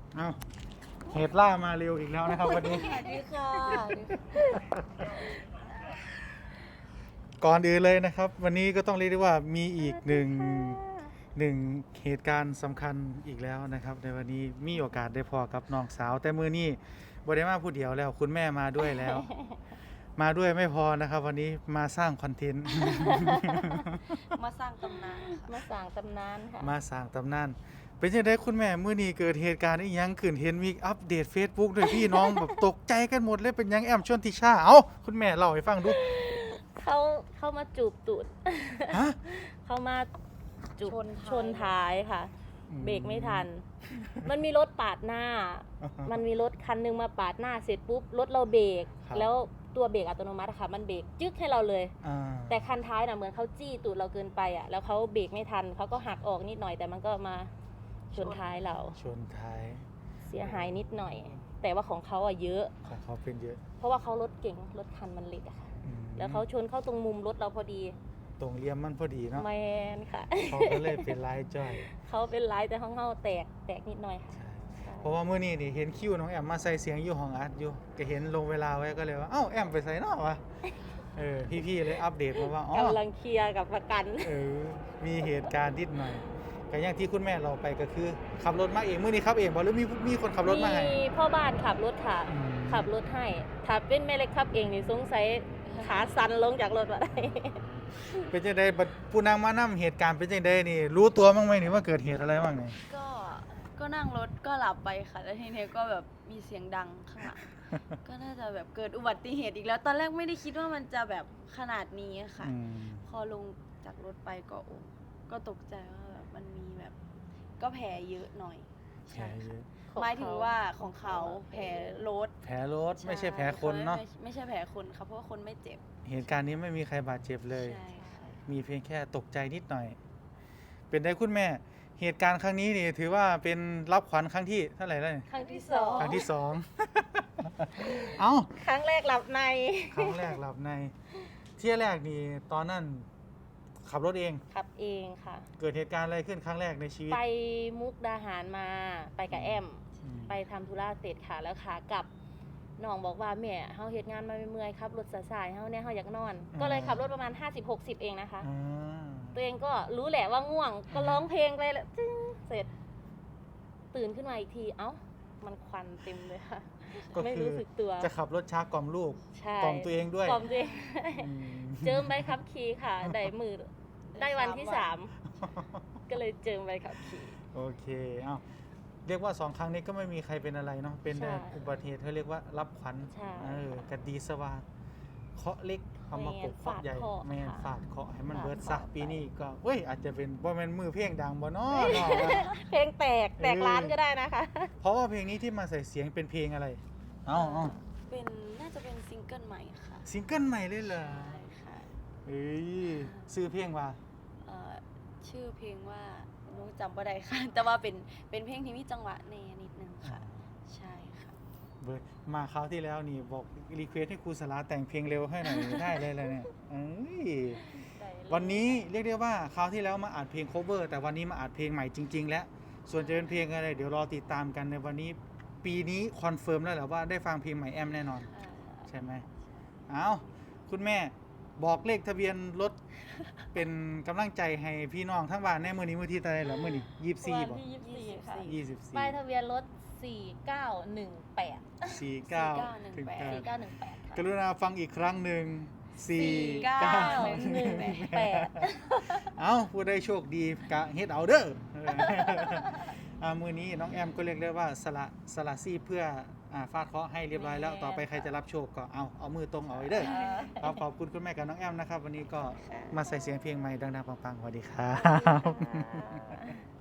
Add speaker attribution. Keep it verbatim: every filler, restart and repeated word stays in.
Speaker 1: เอาเหตุล่ามาเร็วอีกแล้วนะครับวันนี้
Speaker 2: สวัสดีค่ะ
Speaker 1: ก่อนอื่นเลยนะครับ วันนี้ก็ต้องเรียกได้ว่ามีอีกหนึ่งหนึ่งเหตุการณ์สำคัญอีกแล้วนะครับ ในวันนี้มีโอกาสได้พอกับน้องสาว แต่มือนี้บ่ได้มาผู้เดียวแล้วคุณแม่มาด้วยแล้ว มาด้วยไม่พอนะครับ วันนี้มาสร้างคอนเทนต์
Speaker 2: มาสร้างตำนานค่ะ
Speaker 3: มาสั่งตำนานค่ะ
Speaker 1: มาสร้างตำนานเป็นยังไงคุณแม่มื้อนี้เกิดเหตุการณ์อีหยังขึ้นเห็นมีอัปเดต Facebook ด้วยพี่น้อง แบบตกใจกันหมดเลยเป็นหยังแอมชวนทิชาเอ้าคุณแม่เล่าให้ฟังดู
Speaker 3: เขาเข้ามาจูบตูด
Speaker 1: ฮะ
Speaker 3: เข้ามาจูบ
Speaker 2: ชนท้าย
Speaker 3: ชนท้ายค่ะ
Speaker 1: อืม
Speaker 3: เบรกไม่ทัน มันมีรถปาดหน้า มันมีรถคันหนึงมาปาดหน้าเสร็จปุ๊บรถเราเบรก
Speaker 1: ครับ
Speaker 3: แล้วตัวเบรกอัตโนมัติอะค่ะ มันเบรกจึ๊กให้เราเลย
Speaker 1: อ่า
Speaker 3: แต่คันท้ายน่ะเหมือนเขาจี้ตูดเราเกินไปอ่ะ แล้วเขาเบรกไม่ทันเขาก็หักออกนิดหน่อย แต่มันก็มาชนท้ายเรา
Speaker 1: ชนท้าย
Speaker 3: เสียหายนิดหน่อย แต่ว่าของเขาอ่ะเยอะ
Speaker 1: ของเขาเป็นเยอะ
Speaker 3: เพราะว่าเขารถเก่งรถคันมันเล็กอะค่ะ
Speaker 1: อืม
Speaker 3: แล้วเขาชนเข้าตรงมุมรถเราพอดี
Speaker 1: ตรงเลี่ยมมันพอดีเนาะ
Speaker 3: แมนค่ะ
Speaker 1: เขาก็เลยเป็นลายจ้อย
Speaker 3: เขาเป็นไรแต่ห้องเขาแตกแตกนิดหน่อยค่ะ
Speaker 1: ใช่
Speaker 3: ใช่
Speaker 1: เพราะว่ามื้อนี้นี่เห็นคิวน้องแอมมาใส่เสียงอยู่ห้องอัดอยู่ก็เห็นลงเวลาไว้ก็เลยว่าเอ้าแอมไปใส่เนาะวะเออพี่ๆเลยอัปเดตมาว่าอ๋อก
Speaker 3: ำลังเคลียร์กับประกัน
Speaker 1: เออมีเหตุการณ์นิดหน่อยก็อย่างที่คุณแม่เราไปก็คือขับรถมาเองมื้อนี้ขับเองบ่หรือมีมีคนขับรถมาให้
Speaker 3: มีพ่อบ้านขับรถค่ะ
Speaker 1: อืม
Speaker 3: ขับรถให้ ถ้าเป็นแม่เล็กขับเองนี่สงสัยขาสั่นลงจากรถมาได้
Speaker 1: เป็นจังไดบัดผู้นางมานํเหตุการณ์เป็นจังไดนี่ รู้ตัวบ้างไหมนี่ว่าเกิดเหตุอะไรบ้างนี่
Speaker 2: ก็ก็นั่งรถก็หลับไปค่ะ แล้วทีนี้ก็แบบมีเสียงดังข้างหลัง ก็น่าจะแบบเกิดอุบัติเหตุอีกแล้ว ตอนแรกไม่ได้คิดว่ามันจะแบบขนาดนี้ค่ะ
Speaker 1: อืม
Speaker 2: พอลงจากรถไปก็โอ้ก็ตกใจว่าแบบมันมีแบบ ก็แผลเยอะหน่อย
Speaker 1: แผลเยอะ
Speaker 3: ของ
Speaker 2: หมายถึง
Speaker 3: เขา
Speaker 2: ว่าของเขาแผลรถ
Speaker 1: แผลรถไม่ใช่แผลคนเนาะ
Speaker 2: ไม่ไม่ใช่แผลคนค่ะเพราะว่าคนไม่เจ็บ
Speaker 1: เหตุการณ์นี้ไม่มีใครบาดเจ็บเลย
Speaker 2: ใช่ค่ะ
Speaker 1: มีเพียงแค่ตกใจนิดหน่อย เป็นได้คุณแม่ เหตุการณ์ครั้งนี้นี่ถือว่าเป็นรับขวัญครั้งที่เท่าไหร่แล้วนี่
Speaker 3: ครั้งที่สอง
Speaker 1: ครั้งที่สอง เอ้า
Speaker 3: ครั้งแรกหลับใน
Speaker 1: ครั้งแรกหลับใน เที่ยแรกนี่ตอนนั้นขับรถเอง
Speaker 3: ขับเองค่ะ
Speaker 1: เกิดเหตุการณ์อะไรขึ้นครั้งแรกในชีวิต
Speaker 3: ไปมุกดาหารมาไปกับแอม
Speaker 1: อืม
Speaker 3: ไปทำธุระเสร็จค่ะ แล้วขากลับน้องบอกว่าแม่เฮาเฮ็ดงานมาเมื่อยๆครับรถสายๆเฮาเนี่ยเฮาอยากนอน ก็เลยขับรถประมาณ ห้าสิบหกสิบ เองนะคะ
Speaker 1: อ่า
Speaker 3: ตัวเองก็รู้แหละว่าง่วง ก็ร้องเพลงไปแล้วจึ้งเสร็จ ตื่นขึ้นมาอีกที เอ้า มันควันเต็มเลยค่ะ
Speaker 1: ก็
Speaker 3: ไม่
Speaker 1: คือ
Speaker 3: รู้สึกตัว
Speaker 1: จะขับรถช้ากล่อมลูก
Speaker 3: ใช่
Speaker 1: กล่อมตัวเองด้วย
Speaker 3: กล่อมตัวเอง
Speaker 1: อืม
Speaker 3: เจิมใบขับขี่ค่ะ ได้มือได้วันที่
Speaker 2: สามวัน
Speaker 3: สามก็เลยเจิมใบขับขี่
Speaker 1: โอเค เอ้า เรียกว่าสองครั้งนี้ก็ไม่มีใครเป็นอะไรเนาะ เป็น
Speaker 3: ใช่
Speaker 1: อุบัติเหตุเขาเรียกว่ารับขวัญ
Speaker 3: ใช่
Speaker 1: เออกันดีสว่างเคาะเล็กเอามากบเคาะใหญ่
Speaker 3: แม่นฟาดเคาะ
Speaker 1: แม่น
Speaker 3: ค่ะ
Speaker 1: ฟาดเคาะให้มัน
Speaker 3: ฟาด
Speaker 1: เบิด
Speaker 3: เคาะ
Speaker 1: ซะปีนี้ก็เว้ยอาจจะเป็นว่ามันมือเพลงดังบ่เนาะเนาะ
Speaker 3: เพลงแตกแตก
Speaker 1: เออ
Speaker 3: ร้านก็ได้นะคะ
Speaker 1: เพราะว่าเพลงนี้ที่มาใส่เสียงเป็นเพลงอะไร เอ้าเอ้า
Speaker 2: เป็นน่าจะเป็นซิงเกิลใหม่ค่ะ
Speaker 1: ซิงเกิลใหม่เลยเหรอ
Speaker 2: ใช่ค่ะ
Speaker 1: เอ้ยซื้อเพลงว่า
Speaker 2: เอ่อชื่อเพลงว่าหนูจำบ่ได้ค่ะ แต่ว่าเป็นเป็นเพลงที่มีจังหวะแนนิดนึงค่ะ ใช่ค่ะ
Speaker 1: เบิดมาคราวที่แล้วนี่บอกรีเควสให้ครูสลาแต่งเพลงเร็วให้หน่อย ได้เลยเลยเนี่ยเอ้ยวันนี้เรียกได้ว่าคราวที่แล้วมาอัดเพลง cover แต่วันนี้มาอัดเพลงใหม่จริง ๆ แล้ว ส่วนจะเป็นเพลงอะไร เดี๋ยวรอติดตามกันในวันนี้ ปีนี้คอนเฟิร์มแล้วแหละว่าได้ฟังเพลงใหม่แอมแน่นอน ใช่ไหมเอาคุณแม่บอกเลขทะเบียนรถ เป็นกำลังใจให้พี่น้องทั้งบ้านแน่มือนี้มือที่ตะไรเหรอมือนี้ยี่สิบสี่
Speaker 3: วัน
Speaker 1: บอก
Speaker 3: ที่ยี่สิบสี่ค่ะ
Speaker 1: ยี่สิบสี่
Speaker 3: ป้ายทะเบียนรถสี่เก้าหนึ่งแปด
Speaker 1: สี่เก้าถึง
Speaker 2: แปด
Speaker 1: เก้า
Speaker 3: สี่เก้าหนึ่งแปดค่ะ
Speaker 1: กรุณาฟังอีกครั้งหนึ่งสี่
Speaker 2: เก้า
Speaker 1: เก้า
Speaker 3: หนึ่งแปด
Speaker 1: เอาผู้ได้โชคดีกะเฮ็ดเอาเด้อ เอออ่ามือนี้น้องแอมก็เรียกได้ว่าสละสละซี่เพื่ออ่าฟาดเคราะห์ให้เรียบร้อยแล้วต่อไปใครจะรับโชคก็เอาเอามือตรงเอาไว้เด้อครับขอบคุณคุณแม่กับน้องแอมนะครับ วันนี้ก็มาใส่เสียงเพลงใหม่ดังๆปังๆสวัสดีครับ
Speaker 3: ค่ะ